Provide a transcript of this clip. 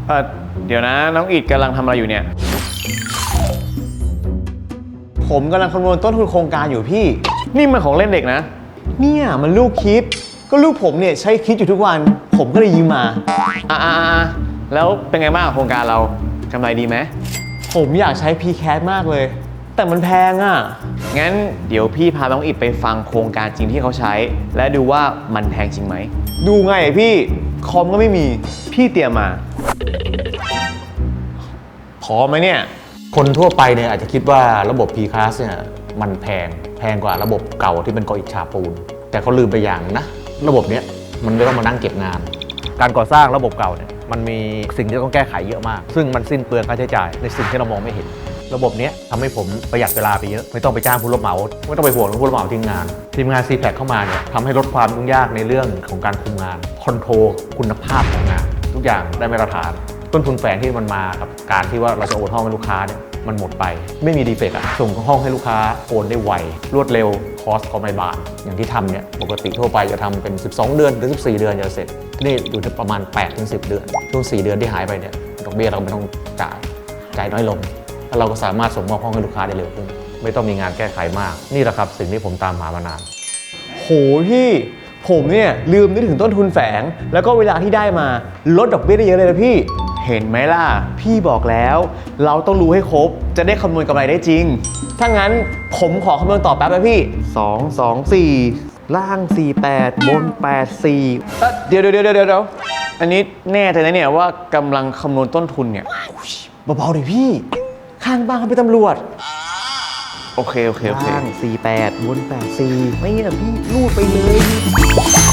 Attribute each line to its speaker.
Speaker 1: เออเดี๋ยวนะน้องอิดกำลังทำอะไรอยู่เนี่ย
Speaker 2: ผมกำลังคำนวณต้นทุนโครงการอยู่พี่
Speaker 1: นี่มันของเล่นเด็กนะ
Speaker 2: เนี่ยมันลูกคิดก็ลูกผมเนี่ยใช้คิดอยู่ทุกวันผมก็เลยยืมมา
Speaker 1: แล้วเป็นไงบ้างโครงการเรากำไรดีไหม
Speaker 2: ผมอยากใช้ PCAD มากเลยแต่มันแพงอ่ะ
Speaker 1: งั้นเดี๋ยวพี่พาน้องอิดไปฟังโครงการจริงที่เขาใช้และดูว่ามันแพงจริงไหม
Speaker 2: ดูไงพี่คอมก็ไม่มีพี่เตรียมมาพอไหมเนี่ย
Speaker 3: คนทั่วไปเนี่ยอาจจะคิดว่าระบบ P-Class เนี่ยมันแพงกว่าระบบเก่าที่เป็นกออิฐฉาบปูนแต่เขาลืมไปอย่างนะระบบเนี้ยมันไม่ต้องมานั่งเก็บงาน
Speaker 4: การก่อสร้างระบบเก่าเนี่ยมันมีสิ่งที่ต้องแก้ไขเยอะมากซึ่งมันสิ้นเปลืองค่าใช้จ่ายในสิ่งที่เรามองไม่เห็นระบบนี้ทำให้ผมประหยัดเวลาไปเยอะไม่ต้องไปจ้างผู้รับเหมาไม่ต้องไปห่วงผู้รับเหมาทิ้งงานทีมงาน CPAC เข้ามาเนี่ยทำให้ลดความยุ่งยากในเรื่องของการคุมงานคอนโทรลคุณภาพของงานทุกอย่างได้มาตรฐานต้นทุนแฝงที่มันมากับการที่ว่าเราจะโอนห้องให้ลูกค้าเนี่ยมันหมดไปไม่มีดีเฟกต์ส่งห้องให้ลูกค้าโอนได้ไวรวดเร็วคอสก็ไม่บานอย่างที่ทำเนี่ยปกติทั่วไปจะทำเป็น12 เดือนหรือ14 เดือนจะเสร็จนี่อยู่ที่ประมาณ 8-10 เดือนช่วง4 เดือนที่หายไปเนี่ยดอกเบี้ยเราไม่ต้องจ่ายน้อยลงแล้วเราก็สามารถส่งมอบห้องให้ลูกค้าได้เร็วขึ้นไม่ต้องมีงานแก้ไขมากนี่แหละครับสิ่งที่ผมตามหามานาน
Speaker 2: โหพี่ผมเนี่ยลืมนึกถึงต้นทุนแฝงแล้วก็เวลาที่ได้มาลดดอกเบี้ยได้เยอะเลยนะพี่เห็นไหมล่ะพี่บอกแล้วเราต้องรู้ให้ครบจะได้คำนวณกำไรได้จริงถ้างั้นผมขอคำนวณต่อแป๊บนะพี่2 2 4ล่าง48บน84เดี๋ยวอันนี้แน่ใจนะเนี่ยว่ากำลังคำนวณต้นทุนเนี่ยเบาๆหน่อยพี่ข้างบ้านเขาเป็นตำรวจ
Speaker 1: โอเค
Speaker 2: ล่าง48บน84ไม่เนี่ยพี่รูดไปเลย